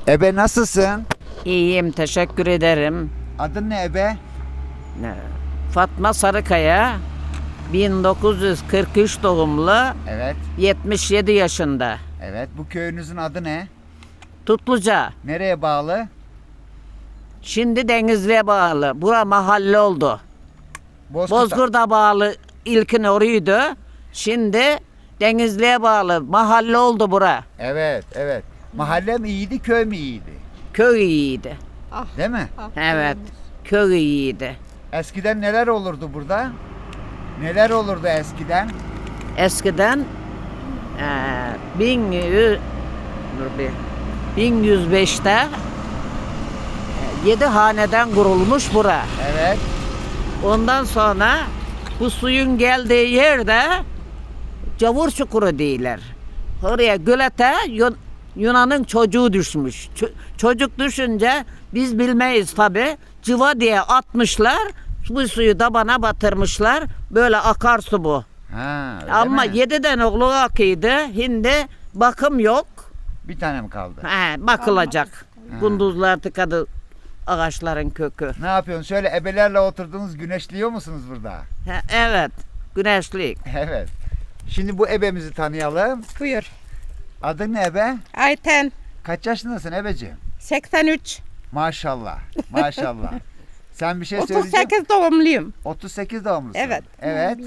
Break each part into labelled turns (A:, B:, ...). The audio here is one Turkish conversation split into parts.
A: Ebe nasılsın?
B: İyiyim, teşekkür ederim.
A: Adın ne ebe?
B: Fatma Sarıkaya, 1943 doğumlu,
A: Evet.
B: 77 yaşında.
A: Evet. Bu köyünüzün adı ne?
B: Tutluca,
A: Nereye bağlı?
B: şimdi Denizli'ye bağlı. Bura mahalle oldu. Bozgur'da bağlı, ilkin oraydı. Şimdi Denizli'ye bağlı, mahalle oldu bura.
A: Evet, evet. Mahalle mi iyiydi, köy mü iyiydi?
B: Köy iyiydi.
A: Değil mi?
B: Evet, köy iyiydi.
A: Eskiden neler olurdu burada? Neler olurdu eskiden?
B: Eskiden 1105'te 7 haneden kurulmuş bura.
A: Evet.
B: Ondan sonra bu suyun geldiği yerde Cavur Çukuru değiller. Oraya gölete Yunan'ın çocuğu düşmüş. Çocuk düşünce biz bilmeyiz tabi. Cıva diye atmışlar. Bu suyu tabana batırmışlar. Böyle akarsu bu.
A: Ha, öyle
B: Ama
A: mi?
B: 7 tane oğlu akıydı. Şimdi bakım yok.
A: Bir tane mi kaldı?
B: Bakılacak. Kunduzlar tıkadı ağaçların kökü.
A: Ne yapıyorsun? Şöyle ebelerle oturdunuz, güneşliyor musunuz burada?
B: Evet. Güneşlik.
A: Evet. Şimdi bu ebemizi tanıyalım.
C: Buyur.
A: Adın ne ebe?
C: Ayten
A: Kaç yaşındasın ebeciğim?
C: 83.
A: Maşallah. Maşallah. Sen bir şey söyleyeceksin.
C: 38 doğumluyum.
A: 38 doğumlusun.
C: Evet.
A: Evet.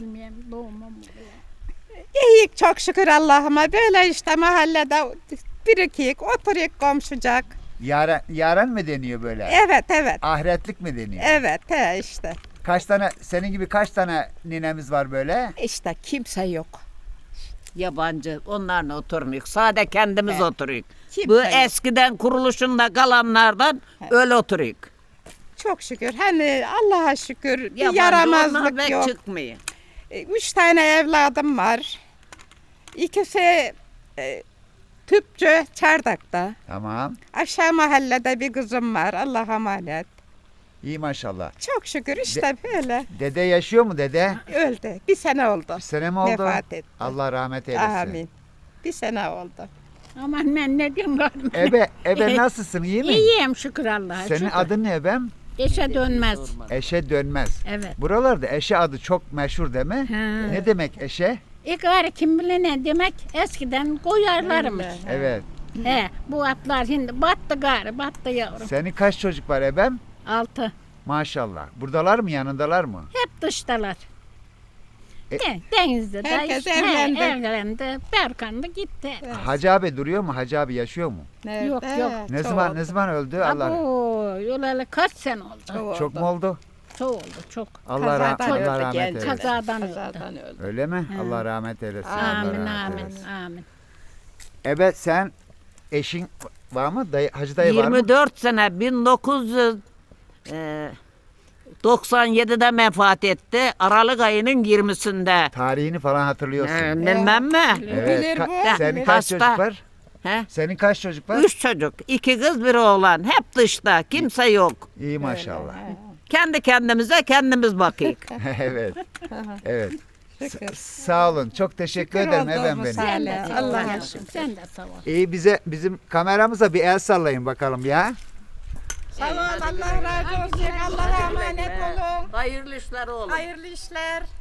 C: İyiyik çok şükür Allah'ıma. Böyle işte mahallede birikik, oturuyuk komşucak.
A: Yaren mi deniyor böyle?
C: Evet evet.
A: Ahiretlik mi deniyor?
C: Evet işte.
A: Kaç tane, senin gibi kaç tane ninemiz var böyle?
C: İşte kimse yok.
B: Yabancı. Onlarla oturmuyor. Sade kendimiz
C: Evet.
B: oturuyoruz.
C: Kimse
B: Bu
C: yok.
B: eskiden kuruluşunda kalanlardan öyle oturuyoruz.
C: Çok şükür. Hani Allah'a şükür bir
B: Yabancı onlar
C: yaramazlık
B: pek
C: yok.
B: çıkmıyor.
C: 3 tane evladım var. İkisi tüpçü Çardak'ta.
A: Tamam.
C: Aşağı mahallede bir kızım var. Allah'a emanet.
A: İyi maşallah.
C: Çok şükür işte böyle.
A: Dede yaşıyor mu dede?
C: Öldü. Bir sene oldu.
A: Bir sene mi oldu?
C: Vefat etti.
A: Allah rahmet eylesin.
C: Amin. Bir sene oldu.
D: Aman ben ne diyeyim var.
A: Ebe nasılsın? İyi mi?
D: İyiyim şükür Allah'a.
A: Senin
D: şükür.
A: adın ne ebem?
D: Eşe dönmez.
A: Eşe dönmez.
D: Evet.
A: Buralarda eşe adı çok meşhur değil mi?
D: Ha.
A: Ne demek eşe?
D: Gari kim bilir ne demek eskiden koyarlarmış.
A: Evet.
D: He, bu atlar şimdi battı gari battı yavrum.
A: Senin kaç çocuk var ebem?
D: 6.
A: Maşallah. Buradalar mı, yanındalar mı?
D: Hep dıştalar.
A: E-
D: Denizde de
C: Herkes
D: işte,
C: evlendi.
D: Evlendi. Berkan da gitti.
A: Hacı abi duruyor mu? Hacı abi yaşıyor mu?
D: Yok, yok.
A: Ne zaman öldü? Allah.
D: Abo, yolalı kaç sene oldu.
A: Çok mu oldu?
D: Çok oldu çok.
A: Allah
C: Kazadan öldü,
A: rahmet
C: genç.
A: eylesin.
D: Kazadan öldü.
C: Kazadan öldü.
A: Öyle mi? Allah rahmet eylesin. Allah
D: Amin
A: rahmet
D: amin
A: eylesin.
D: amin.
A: Evet, sen eşin var mı? Hacı dayı var mı?
B: 24 sene 1997'de vefat etti. Aralık ayının 20'sinde.
A: Tarihini falan hatırlıyorsun.
B: Bilmem mi?
A: Evet.
C: Bilir bu.
A: Senin kaç
B: Hasta.
A: çocuk var?
B: He?
A: Senin kaç çocuk var?
B: 3 çocuk. 2 kız, bir oğlan. Hep dışta. Kimse yok.
A: İyi maşallah.
B: Kendi kendimize kendimiz bakıyık.
A: Evet. Evet.
C: Şükür.
A: Sağ olun. Çok teşekkür ederim
C: olduğumuz
A: efendim benim.
C: sağ olun.
D: Sen de
C: Allah'a
D: Allah'a
C: şükür.
D: Sen de sağ ol.
A: İyi, bizim kameramıza bir el sallayın bakalım ya.
C: Sağ ol. Allah razı olsun. Allah'a emanet olun.
B: Hayırlı işler oğlum.
C: Hayırlı işler.